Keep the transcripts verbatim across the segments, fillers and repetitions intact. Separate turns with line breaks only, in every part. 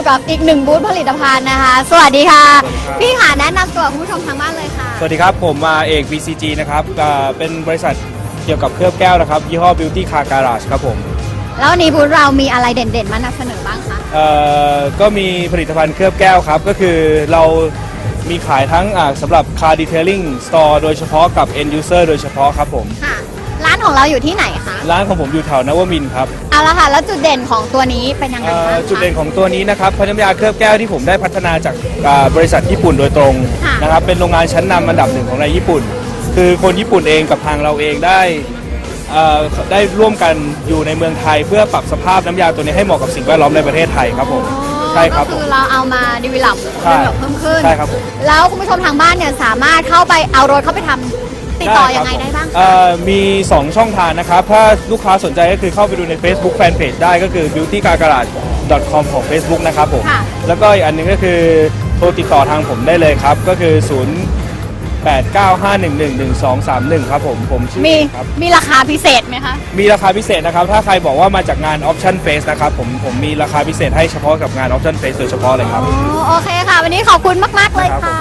กับอีกหนึ่งบูธผลิตภัณฑ์นะคะสวัสดีค่ะพี่ค่ะแนะนำตัวคุณผู้ชมทางบ้านเลยค่ะ
สวัสดีครับผมมาเอก บี ซี จี นะครับเป็นบริษัทเกี่ยวกับเคลือบแก้วนะครับยี่ห้อ Beauty Car Garage ครับผม
แล้ววันนี้บูธเรามีอะไรเด่นๆมานำเสนอบ้างคะ
เอ่อก็มีผลิตภัณฑ์เคลือบแก้วครับก็คือเรามีขายทั้งสำหรับ Car Detailing Store โดยเฉพาะกับ End User โดยเฉพาะครับผม
ค่ะร้านของเราอยู่ที่ไหนคะ
ร้านของผมอยู่แถวนวมินทร์ครับ
เอาละค่ะแล้วจุดเด่นของตัวนี้เป็นยังไงบ้างคะ
จุดเด่นของตัวนี้นะครับพน้ำยาเคลือบแก้วที่ผมได้พัฒนาจากบริษัทญี่ปุ่นโดยตรงนะครับเป็นโรงงานชั้นนำอันดับหนึ่งของในญี่ปุ่นคือคนญี่ปุ่นเองกับทางเราเองได้ได้ร่วมกันอยู่ในเมืองไทยเพื่อปรับสภาพน้ำยาตัวนี้ให้เหมาะกับสิ่งแวดล้อมในประเทศไทยครับผม
ใช่ครับก็คือเราเอามาดีวิลับเพิ่มขึ้น
ใช่ครับผม
แล้วคุณผู้ชมทางบ้านเนี่ยสามารถเข้าไปเอารถเข้าไปทำติดต่อยังไงได้บ้าง
มีสองช่องทางนะครับถ้าลูกค้าสนใจก็คือเข้าไปดูใน Facebook Fanpage ได้ก็คือ beauty car garage dot com ของ Facebook นะครับผมแล้วก็อีกอันนึงก็คือโทรติดต่อทางผมได้เลยครับก็คือศูนย์ แปด เก้า ห้า หนึ่ง หนึ่ง หนึ่ง สอง สาม หนึ่งครับผมผมชื่อ
มีมีราคาพิเศษไหมคะ
มีราคาพิเศษนะครับถ้าใครบอกว่ามาจากงาน Option Face นะครับผมผมมีราคาพิเศษให้เฉพาะกับงาน Option Face โดยเฉพาะเลยครับ
อ๋อโอเคค่ะวันนี้ขอบคุณมากๆเลยค่ะ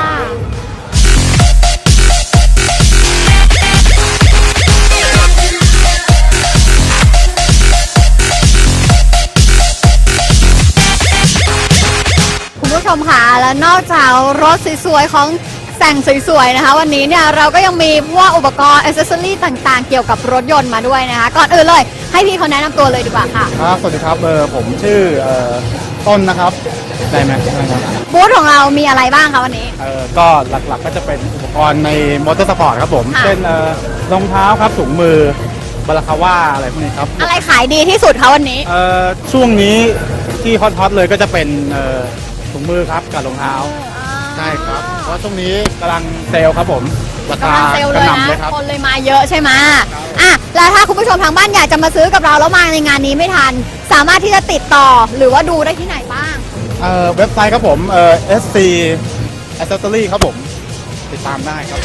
คุณผู้ชมค่ะและนอกจากรถสวยๆของแต่งสวยๆนะคะวันนี้เนี่ยเราก็ยังมีพวกอุปกรณ์อิสเซอรี่ต่างๆเกี่ยวกับรถยนต์มาด้วยนะคะก่อนอื่นเลยให้พี่เขาแนะนำตัวเลยดีกว่าค่ะ
ครับสวัสดีครับเออผมชื่อเอ่อต้นนะครับได้ไหม
บูธของเรามีอะไรบ้างคะวันนี้
เออก็หลักๆก็จะเป็นอุปกรณ์ในมอเตอร์สปอร์ตครับผมเช่นเอ่อรองเท้าครับถุงมือบาราคาว่าอะไรพวกนี้ครับ
อะไรขายดีที่สุดคะวันนี้
เอ่อช่วงนี้ที่ฮอตๆเลยก็จะเป็นเอ่อถุงมือครับกับรองเท้าใช่ครับเพราะช่วงนี้กำลังเซลล์ครับผมราคาก
ระหน่ำเลยครับคนเลยมาเยอะใช่ไหมอ่ะแล้วถ้าคุณผู้ชมทางบ้านอยากจะมาซื้อกับเราแล้วมาในงานนี้ไม่ทันสามารถที่จะติดต่อหรือว่าดูได้ที่ไหนบ้าง
เอ่อเว็บไซต์ครับผมเอ่อ เอส ซี Accessory ครับผมติดตามได้ครับ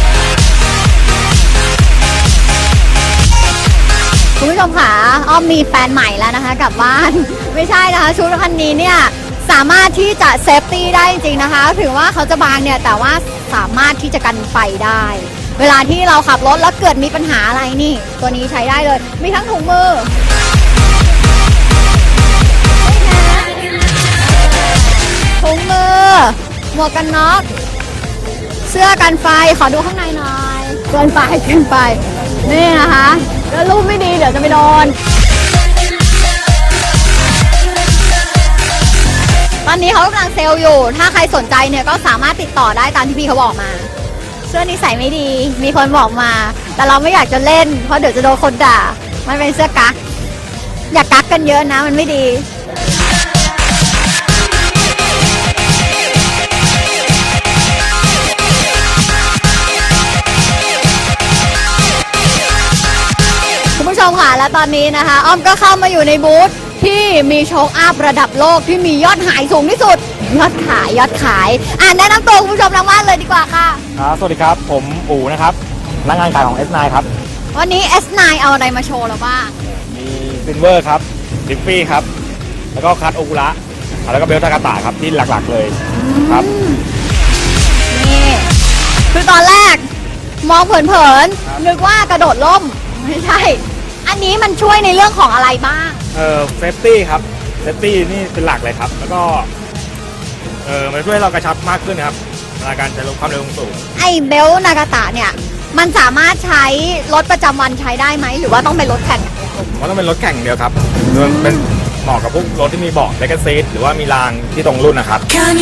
คุณผู้ชมค่ะอ้อมมีแฟนใหม่แล้วนะคะกลับบ้านไม่ใช่นะคะชุดคันนี้เนี่ยสามารถที่จะเซฟตี้ได้จริงๆนะคะถึงว่าเขาจะบางเนี่ยแต่ว่าสามารถที่จะกันไฟได้เวลาที่เราขับรถแล้วเกิดมีปัญหาอะไรนี่ตัวนี้ใช้ได้เลยมีทั้งถุงมือถุงมือหมวกกันน็อกเสื้อกันไฟขอดูข้างในหน่อยเกินไปเกินไปนี่นะคะแล้วรูปไม่ดีเดี๋ยวจะไปโดนตอนนี้เขากำลังเซลล์อยู่ถ้าใครสนใจเนี่ยก็สามารถติดต่อได้ตามที่พี่เขาบอกมาเสื้อนี้ใส่ไม่ดีมีคนบอกมาแต่เราไม่อยากจะเล่นเพราะเดี๋ยวจะโดนคนด่ามันเป็นเสื้อกั๊กอย่ากั๊กกันเยอะนะมันไม่ดีคุณผู้ชมค่ะและตอนนี้นะคะอ้อมก็เข้ามาอยู่ในบูธที่มีโชคอัพระดับโลกที่มียอดขายสูงที่สุดยอดขายยอดขายอ่าแนะนำตัวคุณผู้ชมทางบ้านเลยดีกว่าค่ะ
ครับสวัสดีครับผมอู๋นะครับพนักงานขายของ เอส ไนน์ ครับ
วันนี้ เอส ไนน์ เอาอะไรมาโชว์เราบ้าง
มีซิลเวอร์ครับดิฟฟี่ครับแล้วก็คัตโอกุระแล้วก็เบลทากาตะครับที่หลักๆเลยครับ
นี่คือตอนแรกมองเผินๆนึกว่ากระโดดล่มไม่ใช่อันนี้มันช่วยในเรื่องของอะไรบ้าง
เออเซฟตี้ครับเซฟตี้นี่เป็นหลักเลยครับแล้วก็เออมันช่วยให้เรากระชับมากขึ้นนะครับในการใช้ความเร็วสูง
ไอเบลนากาตะเนี่ยมันสามารถใช้รถประจำวันใช้ได้ไหมหรือว่าต้องเป็นรถแข่ง
ผมว่าต้องเป็นรถแข่งเดียวครับมันเป็นเหมาะกับพวกรถที่มีเบาะเลกซีทหรือว่ามีรางที่ตรงรุ่นนะครับ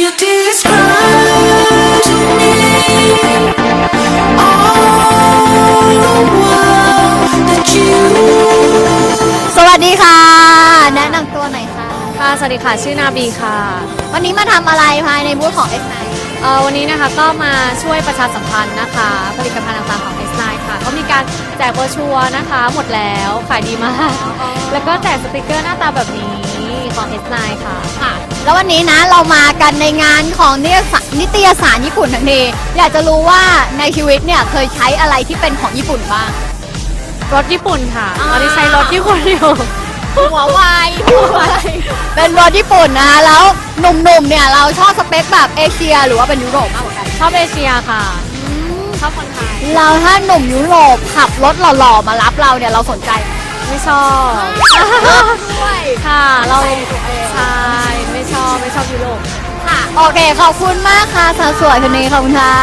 สวัสดีค่ะแนะนำตัวหน่อยค่ะ
ค่ะสวัสดีค่ะชื่อนาบีค่ะ
วันนี้มาทำอะไรภายในบูธของ เอส ไนน์
เอ่อวันนี้นะคะก็มาช่วยประชาสัมพันธ์นะคะผลิตภัณฑ์ต่างๆของ เอส ไนน์ ค่ะก็มีการแจกโบรชัวร์นะคะหมดแล้วขายดีมากแล้วก็แจกสติกเกอร์หน้าตาแบบนี้ของ เอส ไนน์ ค่ะ
ค่ะแล้ววันนี้นะเรามากันในงานของนิตยสารญี่ปุ่นทั้งทีอยากจะรู้ว่าในชีวิตเนี่ยเคยใช้อะไรที่เป็นของญี่ปุ่นบ้าง
รถญี่ปุ่นค่ะตอนนี้ใช้รถญี่ปุ่นอยู่
หัววายหัววายเป็นรถญี่ปุ่นนะคะแล้วหนุ่มๆเนี่ยเราชอบสเปคแบบเอเชียหรือว่าเป็นยุโรปมากกว่ากัน
ชอบเอเชียค่ะ ชอบคนไทย
เราถ้าหนุ่มยุโรปขับรถหล่อๆมารับเราเนี่ยเราสนใจไหม
ไม่ชอบ
ด้วย
ค่ะ เราใช่ไม่ชอบไม่ชอบยุโรป
ค่ะโอเคขอบคุณมากค่ะสาวสวยคนนี้ขอบคุณค่ะ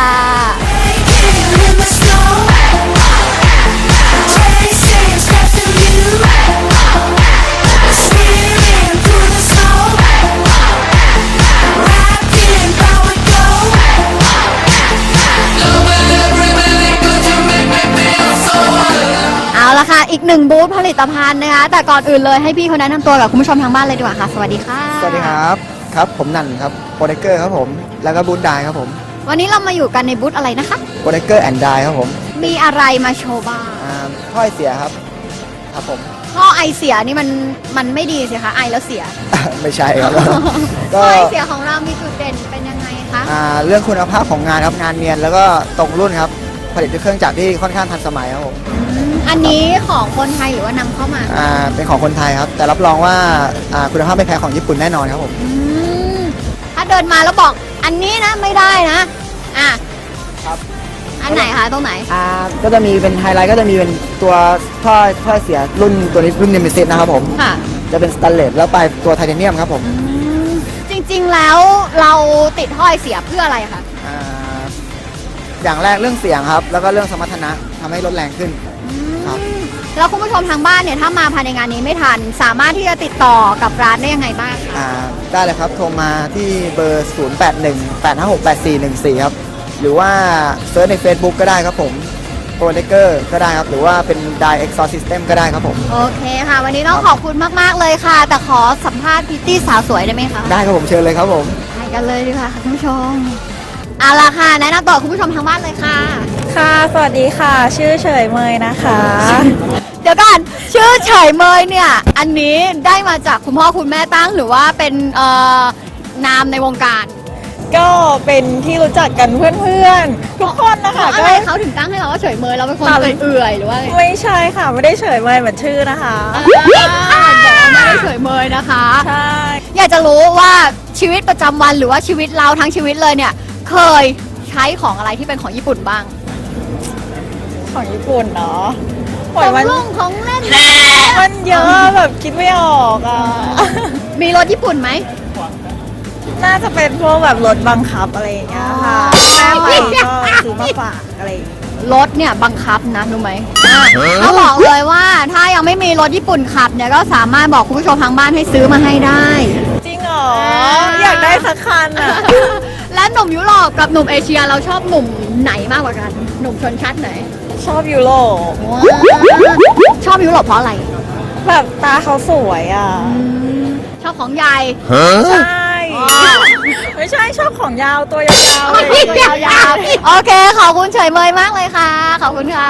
เอาละค่ะ อีกหนึ่งบูธผลิตภัณฑ์นะคะ แต่ก่อนอื่นเลยให้พี่เขาแนะนำตัวกับคุณผู้ชมทางบ้านเลยดีกว่าค่ะ สวัสดีค่ะ
สวัสดีครับครับผมนันครับโปรเดเกอร์ครับผมแล้วก็บูธไดครับผม
วันนี้เรามาอยู่กันในบูธอะไรนะคะ
โปรเดเกอร์แอนด์ไดครับผม
มีอะไรมาโชว์บ้าง
อ่าถ้อยเสียครับครับผม
ท่อไอเสียนี่มันมันไม่ดีสิคะไอแล้วเสีย
ไม่ใช่ครับ
ท่
ก็
อไอเสียของเรามีจุดเด่นเป็นยังไงคะ
อ่าเรื่องคุณภาพของงานครับงานเนียนแล้วก็ตรงรุ่นครับผลิตด้วยเครื่องจักรที่ค่อนข้างทันสมัยครับผม
อันนี้ของคนไทยหรือว่านำเข้ามา
อ่าเป็นของคนไทยครับแต่รับรองว่าอ่าคุณภาพไม่แพ้ของญี่ปุ่นแน่นอนครับผม
อืมถ้าเดินมาแล้วบอกอันนี้นะไม่ได้นะอ่ะ
ครับ
อันไหนคะตรงไหน
อ่าก็จะมีเป็นไฮไลท์ก็จะมีเป็นตัวท่อท่อเสียรุ่นตัวนี้รุ่นเนมิซิสนะครับผม
ค่ะ
จะเป็นสแตนเลสแล้วปลายตัวไทเทเนียมครับผม
จริงๆแล้วเราติดท่อไอเสียเพื่ออะไรคะ
อ่าอย่างแรกเรื่องเสียงครับ แล้วก็เรื่องสมรรถนะทำให้รถแรงขึ้น ครับ
แล้วคุณผู้ชมทางบ้านเนี่ยถ้ามาภายในงานนี้ไม่ทัน สามารถที่จะติดต่อกับร้านได้ยังไงบ้างคะ
อ่าได้เลยครับ โทรมาที่เบอร์ ศูนย์ แปด หนึ่ง แปด ห้า หก แปด สี่ หนึ่ง สี่ ครับ หรือว่าเซิร์ชใน Facebook ก็ได้ครับผมโปรเดเกอร์ก็ได้ครับ หรือว่าเป็น Die Exhaust System ก็ได้ครับผม
โอเคค่ะ วันนี้ต้องขอบคุณมากๆเลยค่ะ แต่ขอสัมภาษณ์พิตตี้สาวสวยได้ไหมคะ
ได้ครับผมเชิญเลยครับผม
ไปกันเลยดีกว่าค่ะคุณผู้ชมเอาละค่ะแนะนำตัวคุณผู้ชมทางบ้านเลยค่ะ
ค่ะ สวัสดีค่ะ ชื่อเฉยเมยนะคะ
เดี๋ยวก่อนชื่อเฉยเมยเนี่ย อันนี้ได้มาจากคุณพ่อคุณแม่ตั้งหรือว่าเป็นเอ่อนามในวงการ
ก็เป็นที่รู้จักกันเพื่อนๆ ทุกคนนะคะ
อะ
ก็
ไรเขาถึงตั้งให้เราว่าเฉยเมยเราเป็นคนเอื่อยๆหรือว่าอะไร
ไม่ใช่ค่ะ ไม่ได้เฉยเมยเหมือนชื่อนะคะ
อ่าบอกว่าไม่ได้เฉยเมยนะคะ
ใช่
อยากจะรู้ว่าชีวิตประจำวันหรือว่าชีวิตเราทั้งชีวิตเลยเนี่ย เคยใช้ของอะไรที่เป็นของญี่ปุ่นบ้าง
ของญี่ปุ่นเนาะ
ข
โอ้ย
อง
มัน
ลุงของเล่น
มันเยอะแบบคิดไม่ออกอ่ะ
มีรถญี่ปุ่นไหม
น่าจะเป็นพวกแบบรถบังคับอะไรอย่างเงี้ยค่ะ แม่ใหม่ก็ซื้อมาฝากอะไรอย่างเงี้ย
รถเนี่ยบังคับนะรู้ไหมอ่ะเขาบอกเลยว่าถ้ายังไม่มีรถญี่ปุ่นขับเนี่ยก็สามารถบอกคุณผู้ชมทางบ้านให้ซื้อมาให้ได้
จริงเหรอ อยากได้สักคันอ่ะ
และหนุ่มยุโรปกับหนุ่มเอเชียเราชอบหนุ่มไหนมากกว่ากัน หนุ่มชนชั้นไหน
ชอบยูโร
ชอบยุโรปเพราะอะไร
แบบตาเขาสวยอ่ะ
ชอบของใหญ่
ใช่ ไม่ใช่ชอบของยาวตัวยาวๆเลย
ตัวยาวๆโอเค ขอบคุณเฉยเมยมากเลยค่ะ ขอบคุณค่ะ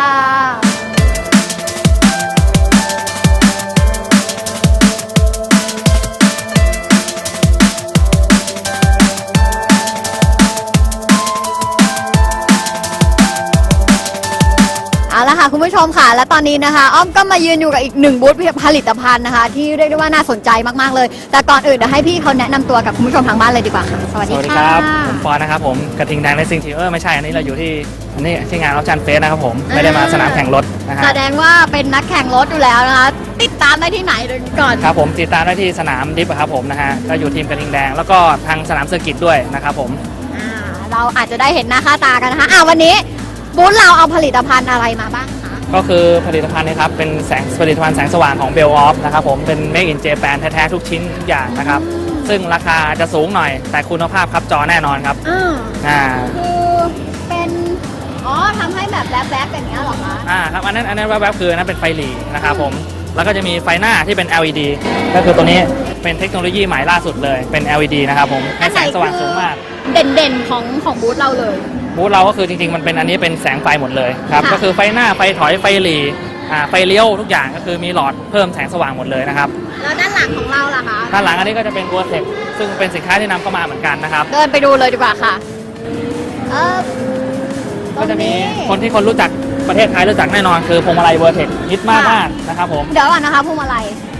เอาละค่ะคุณผู้ชมค่ะ และตอนนี้นะคะ อ้อมก็มายืนอยู่กับอีกหนึ่งบูธผลิตภัณฑ์นะคะ ที่เรียกได้ว่าน่าสนใจมากๆเลย แต่ก่อนอื่นเดี๋ยวให้พี่เขาแนะนำตัวกับคุณผู้ชมทางบ้านเลยดีกว่าค่ะ สวัส
ส
ดี
วัสดี
ค่ะ
ครับ ผมปอนนะครับผมกระทิงแดงเลสซิ่งทีเออไม่ใช่ อันนี้เราอยู่ที่อันนี้ที่งานออฟชันเฟสนะครับผม ไม่ได้มาสนามแข่งรถนะฮะ
แสดงว่าเป็นนักแข่งรถอยู่แล้วนะคะ ติดตามได้ที่ไหนก่อน
ครับผมติดตามได้ที่สนามดิฟอะครับผมนะฮะ ก็อยู่ทีมกระทิงแดง แล้วก็ทางสนามเซอร์กิตด้วยนะครับผม
อ่าเราอาจจะได้เห็นหน้าค่าตากันนะคะอ่าวันนี้บูธเราเอาผลิตภัณฑ์อะไรมาบ้างคะ
ก็คือผลิตภัณฑ์นะครับ เป็นแสงผลิตภัณฑ์แสงสว่างของเบลออฟนะครับผม เป็น Make in Japan แท้ๆทุกชิ้นทุกอย่างนะครับ ซึ่งราคาจะสูงหน่อย แต่คุณภาพครับจอแน่นอนครับ
อ่า
อ่า
คือเป็นอ๋อทำให้แบบแบ๊บๆอย่างเงี้ยเหรอคะ
อ่าครับอันนั้นอันนั้นแวบๆคืออันนั้นเป็นไฟหลีนะครับผม แล้วก็จะมีไฟหน้าที่เป็น แอล อี ดี ก็คือตัวนี้เป็นเทคโนโลยีใหม่ล่าสุดเลย เป็น แอล อี ดี นะครับผม ให้แสงสว่างสูงมาก
เด่นๆของของบูธเราเลย
บูธเราก็คือจริงๆ มันเป็นอันนี้เป็นแสงไฟหมดเลยครับ
ค่ะ
ก็คือไฟหน้า ไฟถอย ไฟหลีอ่าไฟเลี้ยวทุกอย่างก็คือมีหลอดเพิ่มแสงสว่างหมดเลยนะครับ
แล้วด้านหลังของเราล่ะคะ
ด้านหลังอันนี้ก็จะเป็นตัวเทคซึ่งเป็นสินค้าที่นำเข้ามาเหมือนกันนะครับ
เดินไปดูเลยดีกว่าค่ะเออตร
ก็
ง
จะมี
นี้
คนที่คนรู้จักประเทศไทยรู้จักแน่นอนคือพวงมาลัยเวอร์เทคฮิตมาก
ค่ะ
มากนะครับผม
เดี๋ยวก่อนนะคะพวงมาลัย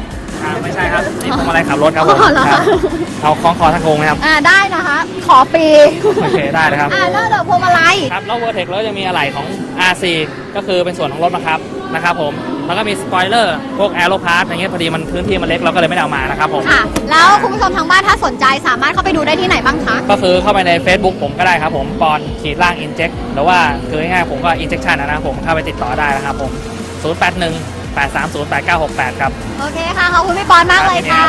ครับไม่ใช่ครับนี่ผมอะไรขับรถครับผม
อ๋อเหรอ
ครับเอาคล้องคอทั้งโครงนะครับ
อ่าได้นะคะ ขอปี
โอเคได้เลยครับ
อ่าแล้วเดี๋ยวพวงมาลัย
ครับแล้วเวอร์เทคแล้วยังมีอะไหล่ของ อาร์ ซี ก็คือเป็นส่วนของรถบังคับนะครับผมแล้วก็มีสปอยเลอร์พวกแอโรพาร์ทอย่างเงี้ยพอดีมันพื้นที่มันเล็กเราก็เลยไม่ได้เอามานะครับผม
ค่ะ แล้วคุณผู้ชมทางบ้านถ้าสนใจสามารถเข้าไปดูได้ที่ไหนบ้างคะ
ก็คือเข้าไปใน Facebook ผมก็ได้ครับผมปอนขีดล่าง inject หรือว่าคือง่ายๆผมก็ injection นะครับผมเข้าไปติดต่อได้นะครับผม ศูนย์ แปด หนึ่ง แปด สาม ศูนย์ แปด เก้า หก แปด ครับ
โอเคค่ะ ขอบคุณพี่ปอนมากเลยค่ะ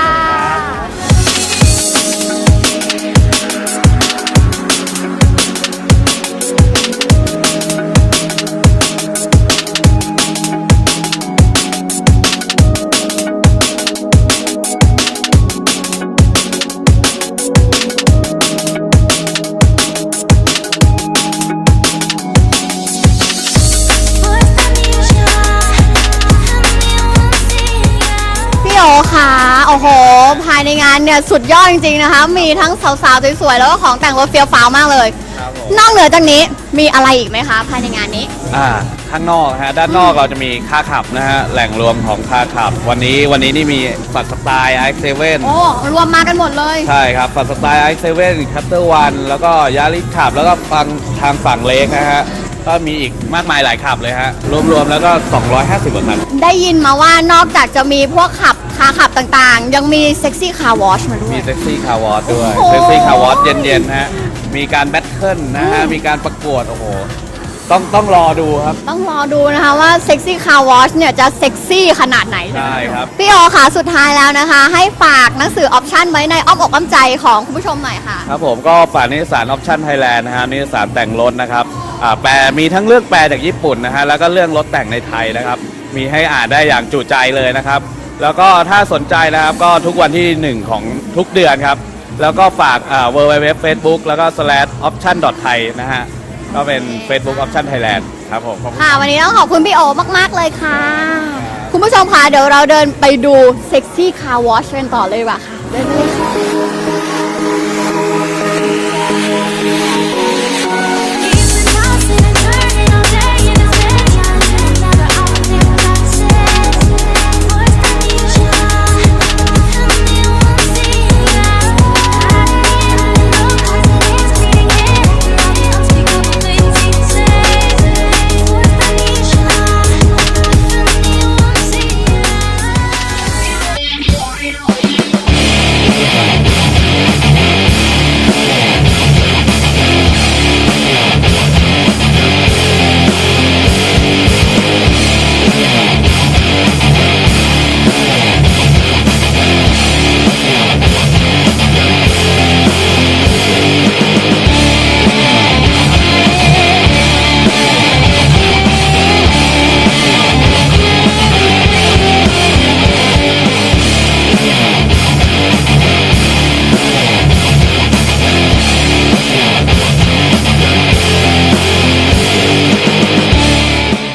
พี่โอค่ะ โอ้โห ภายในงานเนี่ยสุดยอดจริงๆนะคะ มีทั้งสาวๆสวยๆแล้วก็ของแต่งรถเฟี้ยวฟ้าวมากเลย
ครับผม
นอกเหนือจากนี้มีอะไรอีกไหมคะ ภายในงานนี้
อ่าข้างนอกฮะด้านนอกเราจะมีค่าขับนะฮะแหล่งรวมของค่าขับ วันนี้วันนี้นี่มีฝัดสไตล์ ไอ เอ็กซ์ เซเว่น
โอ้ รวมมากันหมดเลย
ใช่ครับฝัดสไตล์ ไอ เอ็กซ์ เซเว่น คัตเตอร์วันแล้วก็ยาริสขับ แล้วก็ฟังทางฝั่งเล็กนะฮะก็มีอีกมากมายหลายขับเลยฮะรวมๆแล้วก็สองร้อยห้าสิบกว่าคัน
ได้ยินมาว่านอกจากจะมีพวกขับคาขับต่างๆ ยังมีเซ็กซี่คาร์วอชมาด้ว
มี
ย
เซ็กซี่คาร์วอร์ด้วย
โอ้โห
เซ็กซี่คาร์วอร์เย็นๆฮะมีการแบทเทิลนะฮะมีการประกวดโอ้โหต้องต้องรอดูครับ
ต้องรอดูนะคะว่าเซ็กซี่คาร์วอชเนี่ยจะเซ็กซี่ขนาดไหน
ใช่ครับ
พี่โอค่ะสุดท้ายแล้วนะคะ ให้ฝากหนังสือออปชั่นไว้ในอ้อมอกอ้อมใจของคุณผู้ชมหน่อยค่ะ
ครับผมก็ฝากนิตยสารออปชั่นไทยแลนด์นะฮะนิตยสารแต่งรถนะครับอ่าแปลมีทั้งเรื่องแปลจากญี่ปุ่นนะฮะแล้วก็เรื่องรถแต่งในไทยนะครับ มีให้อ่านได้อย่างจุใจเลยนะครับ แล้วก็ถ้าสนใจนะครับก็ทุกวันที่หนึ่งของทุกเดือนครับ แล้วก็ฝากอ่า ดับเบิลยู ดับเบิลยู ดับเบิลยู ดอท เฟซบุ๊ก แล้วก็ สแลช ออปชั่น ดอท ไทย นะฮะก็เป็น Facebook Option Thailand ครับผมขอบคุณ
ค่ะ วันนี้ต้องขอบคุณพี่โอมาก ๆ เลยค่ะ คุณผู้ชมค่ะเดี๋ยวเราเดินไปดูเซ็กซี่คาร์วอชกันต่อเลยดีกว่าค่ะเดินไปเลยค่ะ